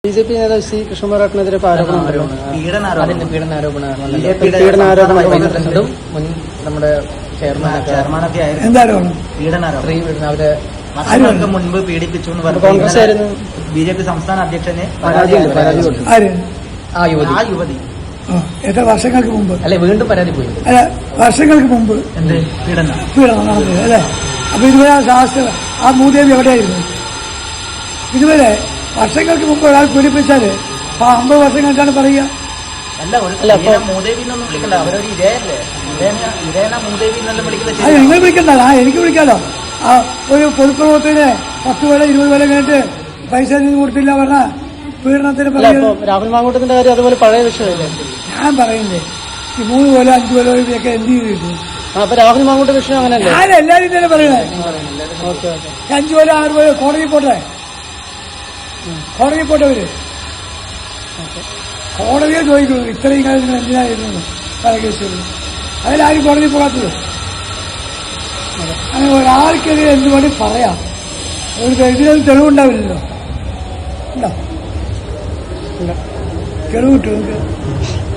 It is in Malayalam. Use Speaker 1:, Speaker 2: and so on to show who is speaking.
Speaker 1: ബിജെപി നേതാവ് സി കൃഷ്ണകുമാറിനെതിരെ
Speaker 2: പീഡനാരോപണം മുൻ നമ്മുടെ ചെയർമാനൊക്കെ അവരെ വർഷങ്ങൾക്ക് മുൻപ് പീഡിപ്പിച്ചു എന്ന് പറഞ്ഞു ബിജെപി സംസ്ഥാന അധ്യക്ഷന് പരാതി ആ യുവതി
Speaker 3: എത്ര വർഷങ്ങൾക്ക് മുമ്പ്
Speaker 2: അല്ലെ വീണ്ടും പരാതി പോയി
Speaker 3: അല്ല വർഷങ്ങൾക്ക് മുമ്പ്
Speaker 2: എന്ത് പീഡനം
Speaker 3: നടന്നത് അല്ലെ. അപ്പൊ ഇതുവരെ ആ മൂദേവി എവിടെയായിരുന്നു? ഇതുവരെ വർഷങ്ങൾക്ക് മുമ്പ് ഒരാൾ പീഡിപ്പിച്ചാല് 50 വർഷം കഴിഞ്ഞാണ് പറയുക.
Speaker 2: അല്ല മൂദേവി എന്നൊന്നും വിളിക്കണ്ട, അവരൊരു ഇരയല്ലേ, ഇരേന മൂദേവി എന്നെല്ലാം വിളിക്കുന്നത്.
Speaker 3: അത് നിങ്ങൾ വിളിക്കണ്ടല്ലോ, എനിക്ക് വിളിക്കാലോ. ആ ഒരു പൊതുപ്രവർത്തകന് 10 കൊല്ലം 20 കൊല്ലം കഴിഞ്ഞിട്ട് പൈസ കൊടുത്തില്ല പറഞ്ഞ പീഡനത്തിന് പറയുന്നത്.
Speaker 1: രാഹുൽ മാങ്കൂട്ടത്തിന്റെ കാര്യം അതുപോലെ പഴയ വിഷയമല്ലേ
Speaker 3: ഞാൻ പറയുന്നത്. ഈ 3 കൊല്ലം 5 കൊല്ലം ഒക്കെ എന്ത് ചെയ്തിട്ടു?
Speaker 1: അപ്പൊ രാഹുൽ മാങ്കൂട്ട വിഷയം അങ്ങനെയല്ലേ?
Speaker 3: ഞാൻ എല്ലാവരും തന്നെ പറയണേ. 5 കൊല്ലം 6 കൊല്ലം കോടതി പോട്ടെ, കോടതി പോട്ടവര് കോടതിയെ ചോദിക്കുന്നു ഇത്രയും കാലം നിങ്ങൾ എന്തിനായിരുന്നു പല കേസുകൾ. അതിലാരും കോടതി പോകാത്തത്. അങ്ങനെ ഒരാൾക്കെതിരെ എന്ത് വേണ്ടി പറയാം. ഇതിനൊന്നും തെളിവുണ്ടാവില്ലല്ലോ. ഉണ്ടോ? തെളിവ് കിട്ടും നിങ്ങൾക്ക്?